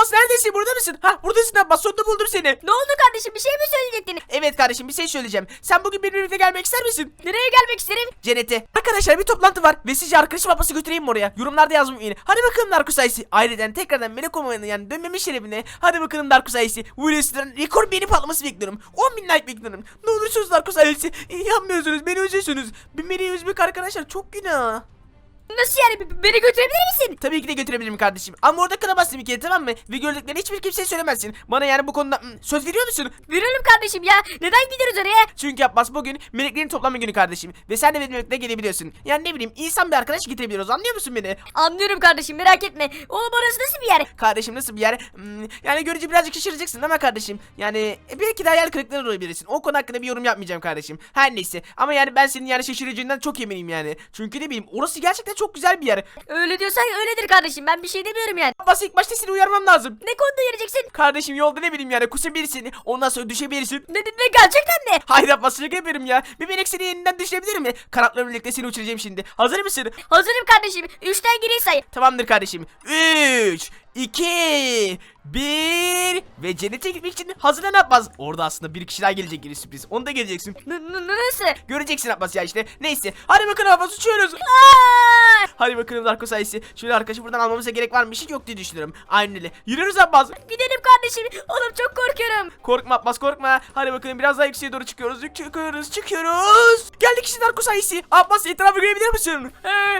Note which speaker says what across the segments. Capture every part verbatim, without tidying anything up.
Speaker 1: Abbas neredesin? Burada mısın? Ha buradasın Abbas. Sonunda buldum seni.
Speaker 2: Ne oldu kardeşim, bir şey mi söyleyecektin?
Speaker 1: Evet kardeşim bir şey söyleyeceğim. Sen bugün benimle birlikte gelmek ister misin?
Speaker 2: Nereye gelmek isterim?
Speaker 1: Cennete. Arkadaşlar bir toplantı var ve sizce arkadaşım Abbas'ı götüreyim mi oraya? Yorumlarda yazmayın. Hadi bakalım Darkus Aysi. Aileden tekrardan melek olmanın yani dönmeme şerefine. Hadi bakalım Darkus Aysi. Willis'ten rekor beğeni patlaması bekliyorum. on bin like bekliyorum. Ne olursunuz Darkus Aysi. Yapmıyorsunuz, beni üzüyorsunuz. Bir beni üzmek arkadaşlar çok günah.
Speaker 2: Nasıl yani, B- beni götürebilir misin?
Speaker 1: Tabii ki de götürebilirim kardeşim. Ama orada kalamazsın bir kere, tamam mı? Ve gördüklerini hiçbir kimseye söylemezsin. Bana yani bu konuda hmm, söz veriyor musun?
Speaker 2: Verelim kardeşim ya. Neden gidiyoruz oraya?
Speaker 1: Çünkü Abbas bugün meleklerin toplanma günü kardeşim. Ve sen de benimle birlikte gelebiliyorsun. Yani ne bileyim insan bir arkadaş getirebiliyoruz, anlıyor musun beni?
Speaker 2: Anlıyorum kardeşim, merak etme. Oğlum orası nasıl bir yer?
Speaker 1: Kardeşim nasıl bir yer? Hmm, yani görünce birazcık şaşıracaksın ama kardeşim. Yani e, belki de hayal kırıklığına uğrayabilirsin. O konu hakkında bir yorum yapmayacağım kardeşim. Her neyse. Ama yani ben senin yani şaşıracağından çok eminim yani. Çünkü ne bileyim orası gerçekten çok güzel bir yer.
Speaker 2: Öyle diyorsan öyledir kardeşim, ben bir şey demiyorum yani.
Speaker 1: Abbas ilk başta seni uyarmam lazım.
Speaker 2: Ne konuda yürüyeceksin?
Speaker 1: Kardeşim yolda ne bileyim yani kusabilirsin. Ondan sonra düşebilirsin.
Speaker 2: Ne, ne, ne gerçekten mi?
Speaker 1: Hayır Abbas şaka yapıyorum ya. Bir melek seni yeniden düşürebilir mi? Kanatlarımla birlikte seni uçuracağım şimdi. Hazır mısın?
Speaker 2: Hazırım kardeşim, üçten geriye say.
Speaker 1: Tamamdır kardeşim. üç, iki, bir ve cennete gitmek için hazırlan Abbas. Orada aslında bir kişi daha gelecek, yine sürpriz. Onu da geleceksin.
Speaker 2: N- n- nasıl?
Speaker 1: Göreceksin Abbas ya işte. Neyse. Hadi bakalım Abbas, uçuyoruz.
Speaker 2: Aa!
Speaker 1: Hadi bakalım Darko sayısı. Şöyle arkadaşı buradan almamıza gerek var mı? Hiç yok diye düşünüyorum. Aynen öyle. Yürüyoruz Abbas.
Speaker 2: Gidelim kardeşim. Oğlum çok korkuyorum.
Speaker 1: Korkma Abbas, korkma. Hadi bakalım biraz daha yükseğe doğru çıkıyoruz. Çıkıyoruz, çıkıyoruz. Geldik işte Darko sayısı. Abbas etrafı görebilir misin?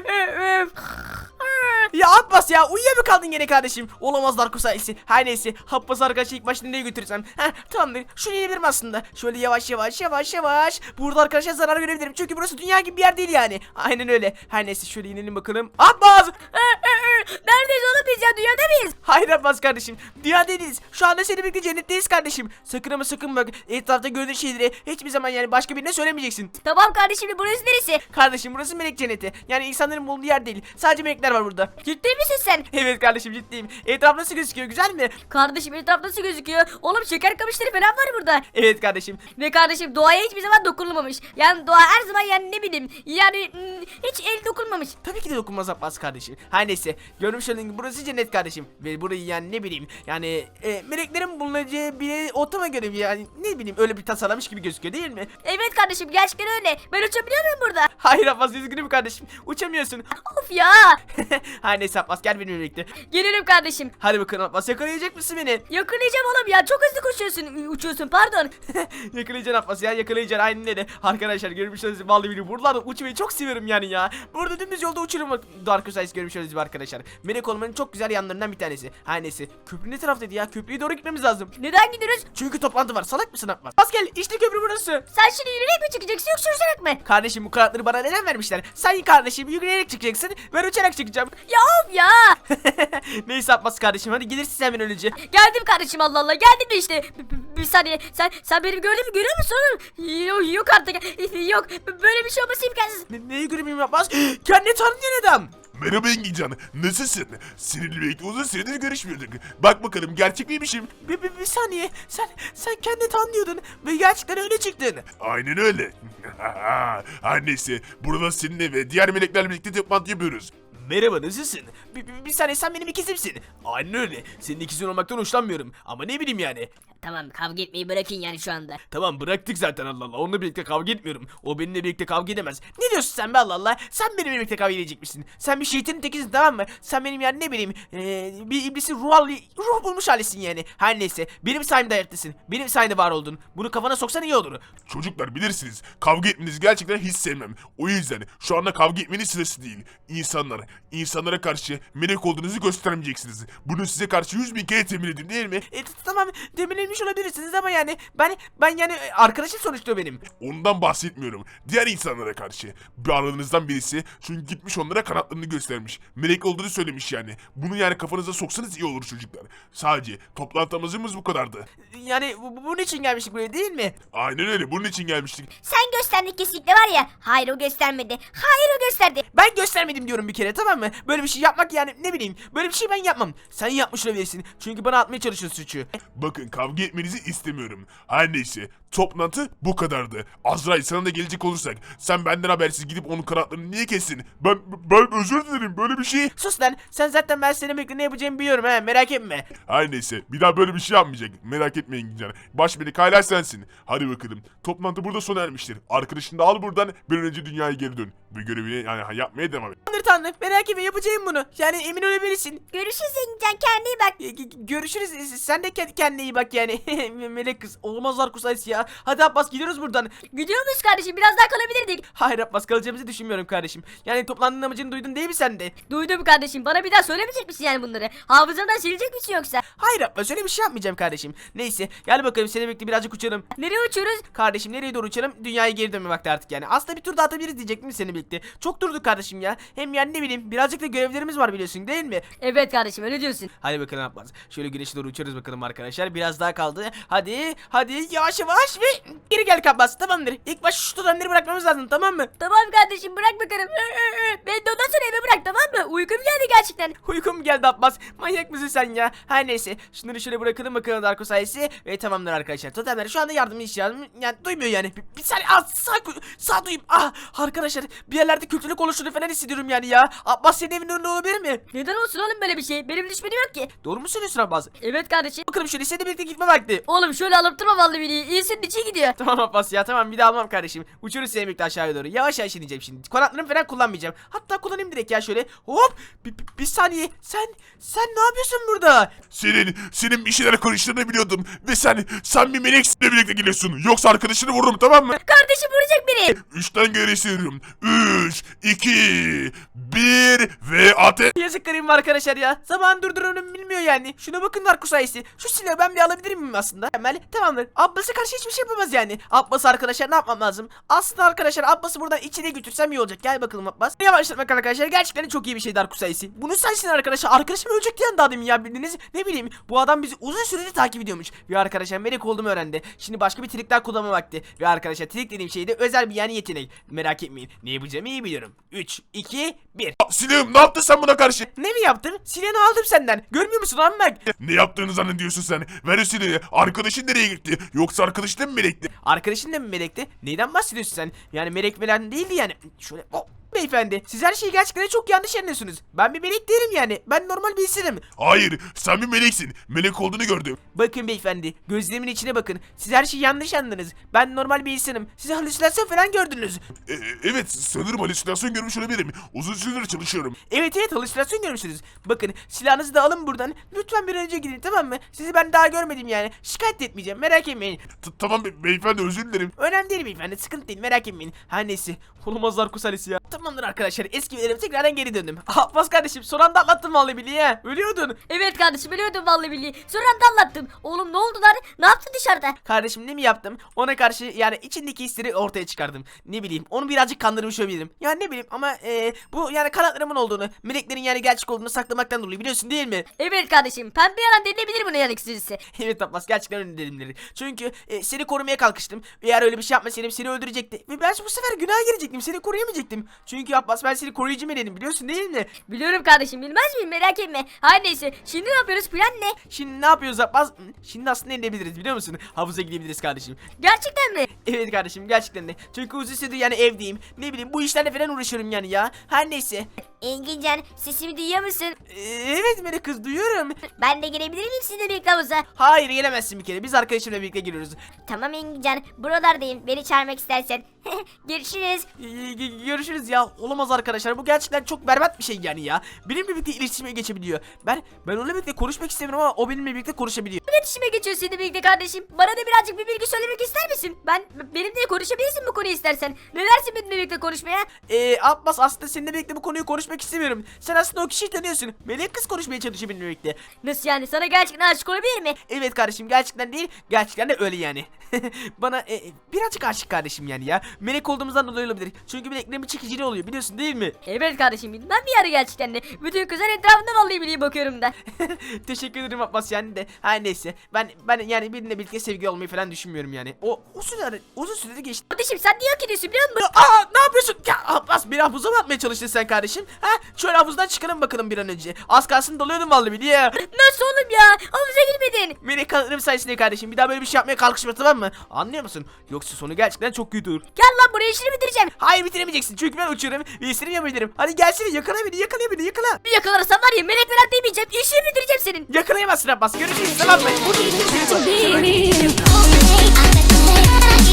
Speaker 1: Ya Abbas ya uyuya mı kaldın gene kardeşim? Olamaz Darko sayısı. Her neyse. Abbas arkadaşı ilk başta nereye götürürsem. Heh tamamdır. Şunu inebilirim aslında. Şöyle yavaş yavaş yavaş yavaş. Burada arkadaşlar zarar görebilirim. Çünkü burası dünya gibi bir yer değil yani. Aynen öyle. Her neyse şöyle inelim bakalım. Abbas!
Speaker 2: Neredeyiz oğlum biz ya, dünyada mıyız?
Speaker 1: Hayır Abbas kardeşim. Dünya değiliz. Şu anda seninle birlikte cennetteyiz kardeşim. Sakın ama sakın bak. Etrafta gördüğün şeyleri hiçbir zaman yani başka birine söylemeyeceksin.
Speaker 2: Tamam kardeşim, burası neresi?
Speaker 1: Kardeşim burası melek cenneti. Yani insanların bulunduğu yer değil. Sadece melekler var burada.
Speaker 2: Ciddi misin sen?
Speaker 1: Evet kardeşim ciddiyim. Etraf nasıl gözüküyor, güzel mi?
Speaker 2: Kardeşim etraf nasıl gözüküyor? Oğlum şeker kamışları falan var burada.
Speaker 1: Evet kardeşim.
Speaker 2: Ve kardeşim doğaya hiçbir zaman dokunulmamış. Yani doğa her zaman yani ne bileyim yani hmm, hiç el dokunmamış.
Speaker 1: Tabii ki de dokunmaz Abbas kardeşim. Her neyse. Görmüş olduğun gibi burası cennet kardeşim. Ve burayı yani ne bileyim. Yani e, meleklerin bulunacağı bir ortama göre yani ne bileyim öyle bir tasarlamış gibi gözüküyor değil mi?
Speaker 2: Evet kardeşim, gerçekten öyle. Ben uçabiliyor muyum burada?
Speaker 1: Hayır Abbas, üzgünüm kardeşim. Uçamıyorsun.
Speaker 2: Of ya.
Speaker 1: Her neyse Abbas, gel benimle birlikte.
Speaker 2: Gelirim kardeşim.
Speaker 1: Hadi bakalım Abbas, yakalayacak mısın beni?
Speaker 2: Yakalayacağım oğlum ya, çok hızlı koşuyorsun. Uçuyorsun pardon.
Speaker 1: Yakalayacaksın Abbas ya, yakalayacaksın, aynen öyle. Arkadaşlar görmüş olduğunuz gibi vallahi billahi buralarda uçmayı çok seviyorum yani ya. Burada dümdüz yolda uçurum. Dark Osiris görmüş olduğunuz gibi arkadaşlar. Melek olmanın çok güzel yanlarından bir tanesi. Her neyse. Köprü ne taraftaydı ya? Köprüye doğru gitmemiz lazım.
Speaker 2: Neden gidiyoruz?
Speaker 1: Çünkü toplantı var. Salak mısın Abbas? Bas gel, işte köprü burası.
Speaker 2: Sen şimdi yürüyerek mi çıkacaksın yoksa uçarak mı?
Speaker 1: Kardeşim bu kanatları bana neden vermişler? Sen kardeşim yürüyerek çıkacaksın. Ben uçarak çıkacağım.
Speaker 2: Ya of ya.
Speaker 1: Neyse Abbas kardeşim, hadi gelirsin hemen önce.
Speaker 2: Geldim kardeşim, Allah Allah geldim de işte. B- b- Bir saniye, sen sen benim gördüğümü görüyor musun oğlum? Yok, yok artık, yok, böyle bir şey olması imkansız.
Speaker 1: Ne, neyi göreyim Abbas? Kendini tanıyan adam.
Speaker 3: Merhaba Engincan, nasılsın? Seninle birlikte uzun süredir görüşmüyorduk. Bak bakalım gerçek miymişim?
Speaker 1: Bir, bir, bir saniye. Sen sen kendini tanıyordun ve gerçekten öyle çıktın.
Speaker 3: Aynen öyle. Her neyse, burada seninle ve diğer meleklerle birlikte toplantı yapıyoruz.
Speaker 1: Merhaba, nasılsın? Bir, bir, bir saniye, sen benim ikizimsin. Aynen öyle. Senin ikizin olmaktan hoşlanmıyorum. Ama ne bileyim yani.
Speaker 2: Tamam, kavga etmeyi bırakın yani şu anda.
Speaker 1: Tamam bıraktık zaten, Allah Allah. Onunla birlikte kavga etmiyorum. O benimle birlikte kavga edemez. Ne diyorsun sen be, Allah Allah? Sen benimle birlikte kavga edecekmişsin. Sen bir şeytanın tekisin, tamam mı? Sen benim yani ne bileyim ee, bir iblisin ruh, ruh bulmuş halisin yani. Her neyse. Benim sayemde hayattasın. Benim sayemde var oldun. Bunu kafana soksan iyi olur.
Speaker 3: Çocuklar bilirsiniz, kavga etmenizi gerçekten hiç sevmem. O yüzden şu anda kavga etmenin sırası değil. İnsanlar, insanlara karşı melek olduğunuzu göstermeyeceksiniz. Bunu size karşı yüz bin kere temin edin değil mi?
Speaker 1: E, tamam demirlenmiş olabilirsiniz ama yani ben ben yani arkadaşım sonuçta benim.
Speaker 3: Ondan bahsetmiyorum. Diğer insanlara karşı. Bir aranızdan birisi çünkü gitmiş onlara kanatlarını göstermiş. Melek olduğunu söylemiş yani. Bunu yani kafanıza soksanız iyi olur çocuklar. Sadece toplantımızımız bu kadardı.
Speaker 1: Yani bu, bu- bunun için gelmiştik buraya değil mi?
Speaker 3: Aynen öyle, bunun için gelmiştik.
Speaker 2: Sen gösterdin kesinlikle var ya. Hayır, o göstermedi. Hayır, o gösterdi.
Speaker 1: Ben göstermedim diyorum bir kere, tamam mı? Böyle bir şey yapmak yani ne bileyim. Böyle bir şey ben yapmam. Sen yapmış olabilirsin. Çünkü bana atmaya çalışıyorsun suçu.
Speaker 3: Bakın kavga etmenizi istemiyorum. Her neyse Toplantı bu kadardı. Azrail sana da gelecek olursak sen benden habersiz gidip onun kanatlarını niye kestin? Ben ben özür dilerim böyle bir şey.
Speaker 1: Sus lan, sen zaten ben senin bekle ne yapacağımı biliyorum ha, merak etme.
Speaker 3: Her neyse bir daha böyle bir şey yapmayacak. Merak etmeyin Engincan. Baş melek hala sensin. Hadi bakalım. Toplantı burada sona ermiştir. Arkadaşını da al buradan bir an önce dünyaya geri dön. Bu görevini yani yapmaya devam et.
Speaker 1: Tanrı tanrı, merak etme, yapacağım bunu. Yani emin olabilirsin.
Speaker 2: Görüşürüz Engincan, kendine iyi bak.
Speaker 1: E, g- Görüşürüz. Sen de kend- kendine iyi bak yani. Melek kız. Olmaz Darkus Ice ya. Hadi Abbas, gidiyoruz buradan.
Speaker 2: Gidiyor muyuz kardeşim? Biraz daha kalabilirdik.
Speaker 1: Hayır Abbas, kalacağımızı düşünmüyorum kardeşim. Yani toplantının amacını duydun değil mi sen de?
Speaker 2: Duydum kardeşim. Bana bir daha söylemeyecek misin yani bunları? Hafızandan silecek misin yoksa?
Speaker 1: Hayır Abbas, öyle bir şey yapmayacağım kardeşim. Neyse, gel bakalım, seni birlikte birazcık uçalım.
Speaker 2: Nereye uçuyoruz?
Speaker 1: Kardeşim nereye doğru uçalım? Dünyaya geri dönme vakti artık yani. Aslında bir tur daha atabiliriz diyecektim seni birlikte. Çok durduk kardeşim ya. Hem yani ne bileyim, birazcık da görevlerimiz var biliyorsun değil mi?
Speaker 2: Evet kardeşim, öyle diyorsun.
Speaker 1: Hadi bakalım Abbas. Şöyle güneşe doğru uçuyoruz bakalım arkadaşlar. Biraz daha kaldı. Hadi hadi yavaş yavaş ve geri gel Abbas, tamamdır. İlk baş şu tutanları bırakmamız lazım, tamam mı?
Speaker 2: Tamam kardeşim, bırak bakalım. Beni de ondan sonra eve bırak, tamam mı? Uykum geldi gerçekten.
Speaker 1: Uykum geldi Abbas. Manyak mısın sen ya? Her neyse. Şunları şöyle bırakalım bakalım Darko sayesi. Ve tamamdır arkadaşlar. Totemler şu anda yardım ihtiyacım. Yani duymuyor yani. Bir, bir saniye. Ah, sağ, sağ duyayım. Ah arkadaşlar. Bir yerlerde kötülük oluşunu falan hissediyorum yani ya. Abbas senin evinin önünde olabilir mi?
Speaker 2: Neden olsun oğlum böyle bir şey? Benim düşmenim yok ki.
Speaker 1: Doğru mu söylüyorsun Abbas?
Speaker 2: Evet kardeşim.
Speaker 1: Bakalım şöyle seninle birlikte gitme vakti.
Speaker 2: Oğlum şöyle alıp durma vallahi beni. İyisinin içi gidiyor.
Speaker 1: Tamam Abbas ya, tamam, bir daha almam kardeşim. Uçuyoruz seninle birlikte aşağıya doğru. Yavaş yavaş ineceğim şimdi. Kanatlarımı falan kullanmayacağım. Hatta kullanayım direkt ya şöyle. Hop. Bir, bir, bir saniye. Sen sen ne yapıyorsun burada?
Speaker 3: Senin, senin bir şeyler karıştığını biliyordum. Ve sen, sen bir meleksinle birlikte geliyorsun. Yoksa arkadaşını vururum, tamam mı?
Speaker 2: Kardeşim vuracak beni.
Speaker 3: Üçten geri sayıyorum. Üç, iki, bir ve ateş.
Speaker 1: Yazık garibim arkadaşlar ya. Zaman durdurunu bilmiyor yani. Şuna bakın Darko sayesi. Şu silahı ben bir alabilir miyim aslında? Hemen tamamdır. Abbas'a karşı hiçbir şey yapamaz yani. Abbas arkadaşlar ne yapmam lazım? Aslında arkadaşlar Abbas'ı buradan içine götürsem iyi olacak. Gel bakalım Abbas. Yavaşlatmak arkadaşlar gerçekten çok iyi bir şey Darko sayesi. Bunu sensin arkadaşlar. Arkadaşım ölecek diyen daha demin ya, bildiniz. Ne bileyim, bu adam bizi uzun süredir takip ediyormuş. Ve arkadaşlar melek olduğumu öğrendi. Şimdi başka bir trik daha kullanma vakti. Ve arkadaşlar trik dediğim şey de özel bir yani yetenek. Merak etmeyin. Ne yapacağımı iyi biliyorum. üç, iki, bir.
Speaker 3: Silahım, ne yaptın sen buna karşı?
Speaker 1: Ne mi yaptım? Silahını aldım senden. Görmüyor musun lan bak?
Speaker 3: Ne yaptığını zannediyorsun sen? Ver o silahı. Arkadaşın nereye gitti? Yoksa arkadaşın mı melekti?
Speaker 1: Arkadaşın da mı melekti? Neyden bahsediyorsun sen? Yani melek falan değildi yani. Şöyle hop. Beyefendi, siz her şeyi gerçekten çok yanlış anlıyorsunuz. Ben bir melek değilim yani. Ben normal bir insanım.
Speaker 3: Hayır, sen bir meleksin. Melek olduğunu gördüm.
Speaker 1: Bakın beyefendi, gözlerimin içine bakın. Siz her şeyi yanlış anladınız. Ben normal bir insanım. Siz halüsinasyon falan gördünüz.
Speaker 3: E, evet, sanırım halüsinasyon görmüş olabilirim. Uzun süredir çalışıyorum.
Speaker 1: Evet evet, halüsinasyon görmüşsünüz. Bakın, silahınızı da alın buradan. Lütfen bir an önce gidin, tamam mı? Sizi ben daha görmedim yani. Şikayet etmeyeceğim, merak etmeyin.
Speaker 3: T- Tamam be- beyefendi, özür dilerim.
Speaker 1: Önemli değil beyefendi, sıkıntı değil, merak etmeyin. Her neyse, olamazlar kusalesi ya. Tamamdır arkadaşlar, eski yerime tekrardan geri döndüm. Abbas kardeşim, son anda atlattım vallahi billahi ya. Ölüyordun.
Speaker 2: Evet kardeşim, ölüyordum vallahi billahi. Sonra da anlattım. Oğlum ne oldu lan? Ne yaptın dışarıda?
Speaker 1: Kardeşim ne mi yaptım? Ona karşı yani içindeki hisleri ortaya çıkardım. Ne bileyim, onu birazcık kandırmış olabilirim. Yani ne bileyim ama e, bu yani kanatlarımın olduğunu, meleklerin yani gerçek olduğunu saklamaktan dolayı biliyorsun değil mi?
Speaker 2: Evet kardeşim, pembe yalan denilebilir buna yani kısacası.
Speaker 1: Evet Abbas, gerçekten öyle dedim. Çünkü e, seni korumaya kalkıştım. Eğer öyle bir şey yapmasaydım seni öldürecekti. Ve ben bu sefer günah girecektim. Seni koruyamayacaktım. Çünkü Abbas, ben seni koruyucu meleğim, biliyorsun değil mi?
Speaker 2: Biliyorum kardeşim, bilmez miyim, merak etme. Her neyse, şimdi ne yapıyoruz, plan ne?
Speaker 1: Şimdi ne yapıyoruz Abbas? Şimdi aslında ne edebiliriz biliyor musun? Havuza gidebiliriz kardeşim.
Speaker 2: Gerçekten mi?
Speaker 1: Evet kardeşim, gerçekten de. Çünkü uzun süredir yani evdeyim. Ne bileyim, bu işlerle falan uğraşıyorum yani ya. Her neyse.
Speaker 2: Engincan, sesimi duyuyor musun?
Speaker 1: Ee, evet melek kız, duyuyorum.
Speaker 2: Ben de gelebilir miyim sizinle birlikte havuza?
Speaker 1: Hayır, gelemezsin bir kere. Biz arkadaşımla birlikte giriyoruz.
Speaker 2: Tamam Engincan, buralardayım. Beni çağırmak istersen. Görüşürüz.
Speaker 1: Ee, g- görüşürüz ya. Olamaz arkadaşlar. Bu gerçekten çok berbat bir şey yani ya. Benimle birlikte iletişime geçebiliyor. Ben ben onunla birlikte konuşmak istemiyorum ama o benimle birlikte konuşabiliyor.
Speaker 2: İletişime geçiyor seninle birlikte kardeşim. Bana da birazcık bir bilgi söylemek ister misin? Ben benimle konuşabilirsin bu konuyu istersen. Ne dersin benimle birlikte konuşmaya?
Speaker 1: Ee, Abbas, aslında seninle birlikte bu konuyu konuşmak istemiyorum. Sen aslında o kişiyi tanıyorsun. Melek kız konuşmaya çalışıyor benimle birlikte.
Speaker 2: Nasıl yani, sana gerçekten aşık olabilir mi?
Speaker 1: Evet kardeşim, gerçekten değil. Gerçekten de öyle yani. Bana e, birazcık aşık kardeşim yani ya. Melek olduğumuzdan dolayı olabilir. Çünkü meleklerin bir çekiciliği oluyor, biliyorsun değil mi?
Speaker 2: Evet kardeşim, bilmem bir ara gerçekten de. Bütün kızlar etrafında vallahi billahi bakıyorum da.
Speaker 1: Teşekkür ederim Abbas yani de. Her neyse. Ben ben yani benimle birlikte sevgili olmayı falan düşünmüyorum yani. O uzun süre uzun süredir geçti.
Speaker 2: Kardeşim sen niye hak ediyorsun biliyor musun?
Speaker 1: Aa, ne yapıyorsun? Ya Abbas, beni havuza mı atmaya çalıştın sen kardeşim? Ha? Şöyle havuzdan çıkalım bakalım bir an önce. Az kalsın dalıyordum vallahi bir diye.
Speaker 2: Nasıl oğlum ya? Havuza girmedim. göreceksin.
Speaker 1: Melek kanatlarım sayesinde kardeşim. Bir daha böyle bir şey yapmaya kalkışma, tamam mı? Anlıyor musun? Yoksa sonu gerçekten çok kötü olur.
Speaker 2: Gel lan buraya, işini bitireceğim.
Speaker 1: Hayır, bitiremeyeceksin çünkü ben uçuyorum ve istediğimi yapabilirim. Hadi gelsene, yakala beni, yakala beni, yakala.
Speaker 2: Bir yakalarsan var ya, melek falan demeyeceğim. İşini bitireceğim senin.
Speaker 1: Yakalayamazsın Abbas, görüşürüz, tamam mı?
Speaker 4: Benim.